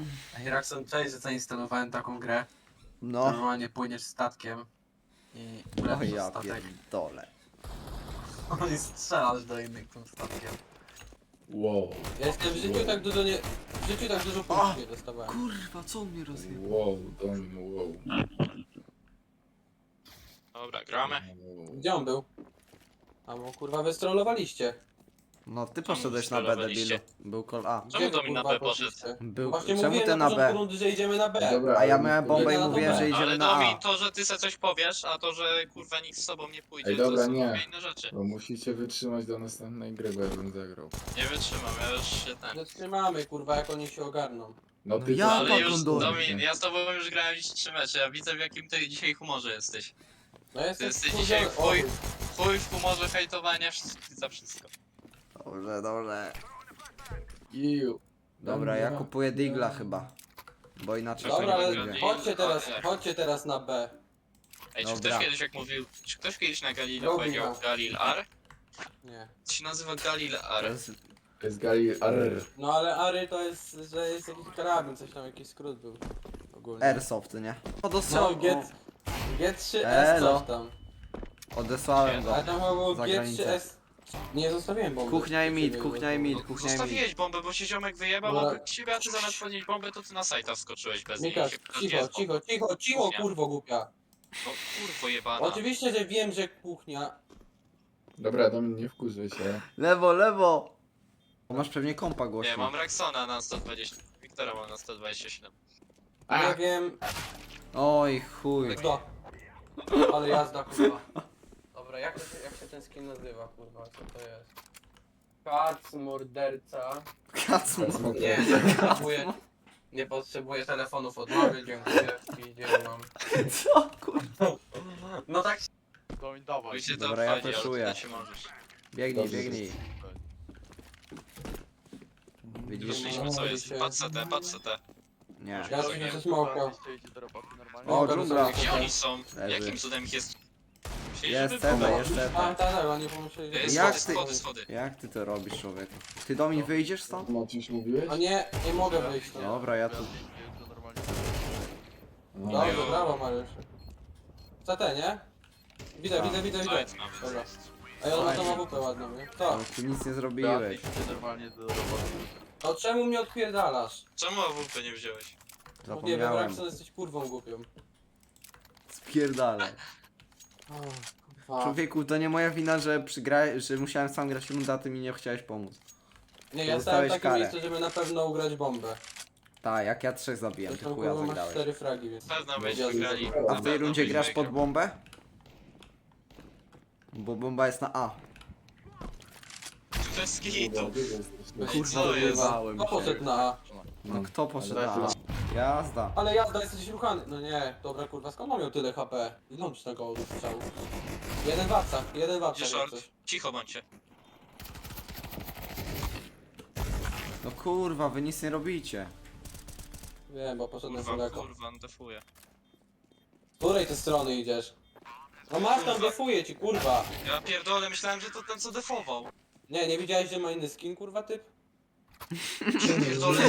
Ej, Raxon, cześć, że zainstalowałem taką grę. No. Normalnie płyniesz statkiem i O ulepszasz ja statek. pierdolę. I strzelasz do innych tym statkiem. Wow. Ja jestem w życiu tak dużo nie... W życiu tak dużo punktów nie dostawałem. Kurwa, co on mnie rozjebał? Wow, Domin, wow. Dobra, gramy. Wow. Gdzie on był? A bo kurwa wystrollowaliście. No ty poszedłeś na B, Strollowaliście. debilu. Był kol A. Czemu Gdzie to mi na kurwa B poszedł? poszliście? Był... Właśnie Czemu mówiłem ty na początku B? rundy, że idziemy na B. Dobra, A ja ale miałem nie bombę i Idę na mówiłem, B. że Ale idziemy na Domin, A. to, że ty se coś powiesz, a to, że kurwa nikt z tobą nie pójdzie, Ej, dobra, to są nie. dwie inne rzeczy. Bo musicie wytrzymać do następnej gry, bo ja bym zagrał. Nie wytrzymam, ja już się ten... Zatrzymamy kurwa jak oni się ogarną. No No ty ja to- Ale już, Domin. Domin, ja z tobą już grałem dziś 3 mecze, ja widzę w jakim ty dzisiaj humorze jesteś. No jestem jesteś wkurzony. dzisiaj chuj. O, Chuj w humorze hejtowania za wszystko. Dobrze, dobrze. Iu. Dobra, ja kupuję Digla chyba. Bo inaczej Dobra, się nie ale wyjdzie. chodźcie teraz na B. Ej, czy Dobra. ktoś kiedyś jak mówił, czy ktoś kiedyś na Galileo Robi powiedział to. Galil-Ar? Nie. To się nazywa Galil-Ar. To jest- To jest Gali... Arr. No ale Ary to jest, że jest jakiś karabin, coś tam, jakiś skrót był. Ogólnie. Airsoft, nie? O, No, dostał... G3S Elo. coś tam. Odesłałem go. Ale tam chyba było Za granicę. G3S. Nie zostawiłem bomby. Kuchnia i mid, Nie kuchnia i mid, było. kuchnia i mid. Zostawiłeś bombę, bo się ziomek wyjebał Dobra. obok siebie, a ty zamiast podnieść bombę, to ty na sajta wskoczyłeś bez niej. i Mikas, się pytasz, gdzie cicho, jest bomba. cicho, Kuchnia. kurwo głupia. No kurwo jebana. Oczywiście, że wiem, że kuchnia. Dobra, Domin, nie wkurzaj się. Lewo, lewo! Masz pewnie kompa Nie, głośno. mam Rexona na 120, Wiktora mam na 127. Nie wiem. Oj, chuj. Jazda. Ale jazda, kurwa. Dobra, jak się ten skin nazywa, kurwa? Co to jest? Kac, morderca. Kacmo. Nie potrzebuję telefonów od mamy, dziękuję. Idzie, mam. Co, kurwa? No tak. Domin, dawaj. Pójdźcie tam Dobra, ja wchodzi, ale flashuję. ty się możesz. Biegnij, Dobrze, biegnij. Widzisz? Wyszliśmy co jest. Patrz CT, patrz CT. Nie. Ja się ze smoka. Idzie do roboty normalnie. O, dżungla. Gdzie oni są? Leży. Jakim cudem ich jest? Myśleli, Jest żeby CT, było. jest CT. Tak, oni pomyśleli, że... Jak Schody, ty- schody, schody. Jak ty to robisz, człowieku? Ty do mnie wyjdziesz stąd? Maciuś mówiłeś? O nie mogę wyjść. No. Dobra, ja tu... To normalnie. No. Dobrze, brawo Mariusz. CT, nie? Widzę. Side mamy. Dobra. Ej, on ma tą AWP ładną, nie? Co? No, ty nic nie zrobiłeś. Idzie normalnie do roboty. No czemu mnie odpierdalasz? Czemu AWP nie wziąłeś? Nie wiem, Zapomniałem. Raxon, jesteś kurwą głupią. Spierdalaj. O, kurwa. Człowieku, to nie moja wina, że musiałem sam grać rundę, a ty mi nie chciałeś pomóc. Nie, ja stałem w dostałeś takim karę. miejscu, żeby na pewno ugrać bombę. Tak, jak ja 3 zabiłem, ty Zresztą chuja kurwa masz zagrałeś. 4 fragi, więc... Pewno Ja byśmy grali. A w tej Pewno rundzie byśmy grasz pod grali. bombę? Bo bomba jest na A. Bez kitu. Kurwa, gdzie jesteś? Kurwa, Co jest? Bałem Kto się. poszedł na A? No kto poszedł Ale na A? Jazda. Ale jazda, jesteś ruchany. No nie, dobra kurwa, skąd on miał tyle HP? Ile on tego strzału? Jeden w apsach, Gdzie jak short? coś. Cicho bądźcie. No kurwa, wy nic nie robicie. Wiem, bo poszedłem Kurwa, daleko. kurwa, on defuje. Z której ty strony idziesz? No masz tam, defuję ci, kurwa. Ja pierdolę, myślałem, że to ten co defował. Nie widziałeś, że ma inny skin, kurwa, typ? Pierdolę,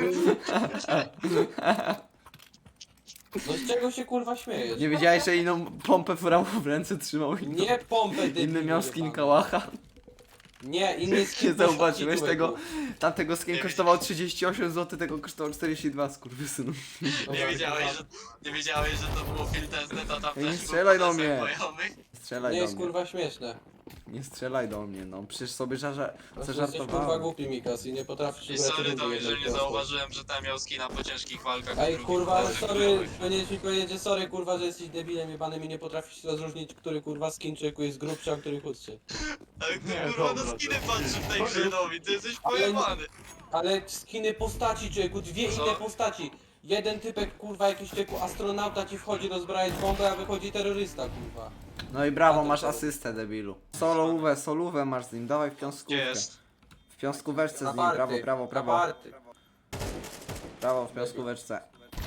No z czego się, kurwa, śmiejesz? Nie wiedziałeś, że inną pompę furamu w ręce trzymał i Nie pompę, inny debilu, miał skin jebany. kałacha. Nie, inny skin. Nie zauważyłeś poszlaki, tego? człowieku. Tamtego skin Nie kosztował 38 zł, tego kosztował 42, skurwysynu. Nie wiedziałeś, że to było filtezne, to tam Ej, nie też strzelaj był do mnie. bojowy. Strzelaj Nie do jest, mnie. kurwa, śmieszne. Nie strzelaj do mnie, no. Przecież sobie Jesteś, kurwa, zażartowałem. głupi, Mikas, i nie potrafisz I ugrać sorry rundy to, jednej że nie prostej. zauważyłem, że tam miał skina po ciężkich walkach. Ej, drugich kurwa, ale walkach sorry, bojowych. powinieneś mi powiedzieć, że sorry, kurwa, że jesteś debilem jebanym i nie potrafisz rozróżnić, który, kurwa, skin człowieku jest grubszy, a który chudszy. Ale ty Nie, kurwa dobra, na skiny patrzysz w tej grze, Nowi, ty jesteś Ale- pojebany. Ale skiny postaci, człowieku, dwie Co? inne postaci. Jeden typek, kurwa, jakiś człowieku astronauta ci wchodzi rozbrajać bombę, a wychodzi terrorysta, kurwa. No i brawo, A to masz co? asystę, debilu. Solówę masz z nim, dawaj w Gdzie piąskówkę. jest? W piąskóweczce z nim, party, brawo. na party. Brawo w piąskóweczce.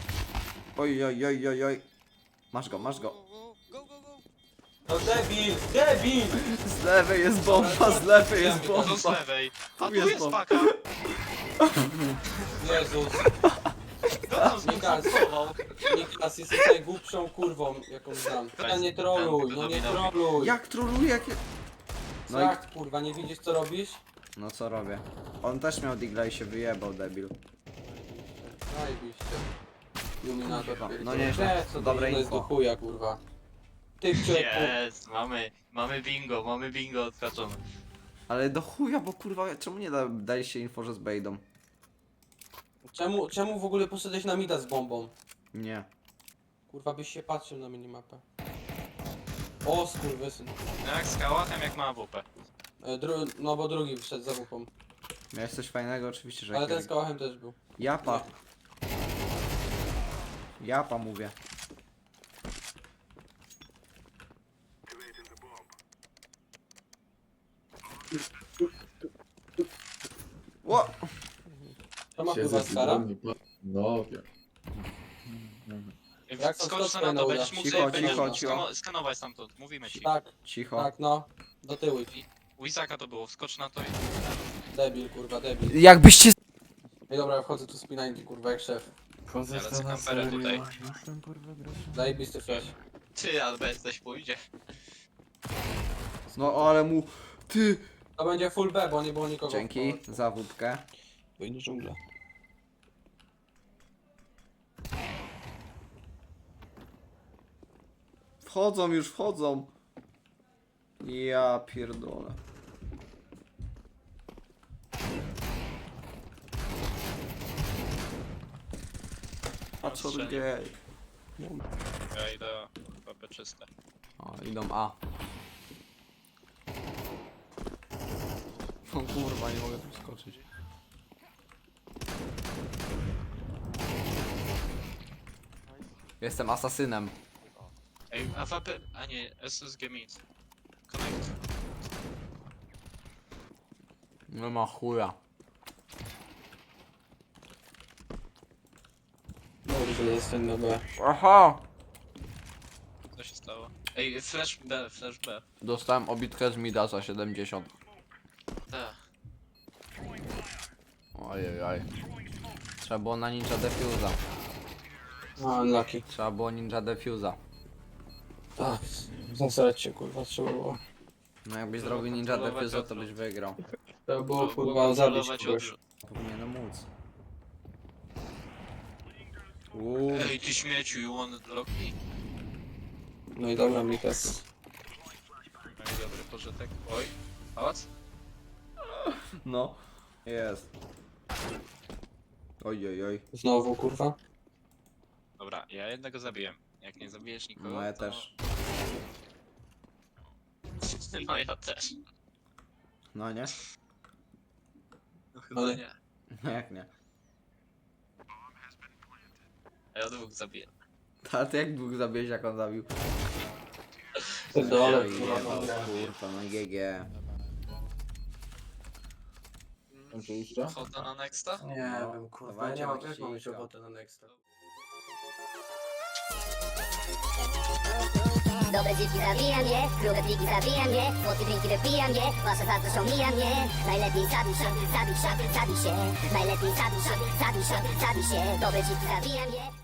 Oj. Masz go. No debil! Z lewej jest bomba, z lewej jest To z bomba. lewej. A tu jest jest bomba. paka. Jezus. Niklas, jesteś najgłupszą kurwą, jaką znam. Ja nie troluj, no nie troluj. Jak troluje, jak... No No i... jak kurwa, nie widzisz co robisz? No co robię? On też miał digla i się wyjebał, debil. Zajebiście. Iluminator. No nieźle, Co dobre to jest info. do chuja kurwa. Ty człowieku. Jest, mamy bingo odhaczone. Ale do chuja, bo kurwa, czemu nie daliście info, że z Bejdą? Czemu w ogóle poszedłeś na mida z bombą? Nie. Kurwa byś się patrzył na minimapę. O skurwysyn. No jak z kałachem, jak ma AWP. No bo drugi wszedł za wupą. Miałeś coś fajnego? Oczywiście, że Ale ten jak z kałachem też był. Japa. Japa mówię. Ło! To ma Siedzę kurwa w skara? tygodni, no wiem. Jak to Skocz skoczkę na na to, uda? będziesz mógł Cicho, sobie cicho, będziesz cicho. skanować stamtąd, mówimy ci. Tak, Cicho. tak no. Do tyłu. U Izaka to było, skocz na to i... Debil kurwa, debil. Jakbyście... Ej dobra, wchodzę tu z P90 kurwa jak szef. Wchodzę Ja w lecę to na kamperem serio. tutaj. Jestem kurwa grać. Zajebisty flash. Ty, ale bez też pójdzie. No ale mu... Ty! To będzie full B, bo nie było nikogo. Dzięki za wódkę. Wejdę dżungla. Wchodzą już, wchodzą. Ja pierdolę. A co Strzelił. gej? Ja idę papę czyste. O, idą A. O kurwa, nie mogę tu skoczyć. Jestem asasynem. Ej, AWP, a nie, SSG mid. Connect. Nie ma chuja. Dobrze, jestem na B. Aha! Co się stało? Ej, flash B, flash B. Dostałem obitkę z mida za 70. Tak. Ojej. Trzeba było na ninja defuza. A, unlucky. Trzeba było ninja defuza. Tak, zasrać się kurwa, trzeba było. No jakbyś zrobił ninja defuza, to byś wygrał. Trzeba było kurwa zabić Kontrolować kogoś. odrzut. Powinienem móc. Ej, ty śmieciu, you want block me? No i dobra, Mikas. No i dobry pożytek. Oj. Pałac? No. Jest. Oj. Znowu kurwa. Dobra, ja jednego zabiłem. Jak nie zabijesz nikogo, No ja to... też. No ja też. No nie? No chyba Ale- nie. Jak nie? A ja dwóch zabiję. A ty jak dwóch zabiłeś, jak on zabił? Dole Oj, kurwa. jebał, dobra. kurwa, no GG. Oczywiście. Chodzę na nexta? Nie No, wiem kurwa, ja dawajcie nie mam, na jak mam mieć ściska. ochotę na nexta. Dobre dziewki zabijam je, grube pliki zabijam je, słodkie drinki wypijam je, wasze zazdrość omijam je. Najlepiej zabij się, zabij się. Najlepiej zabij się, zabij się. Dobre dziewki zabijam je.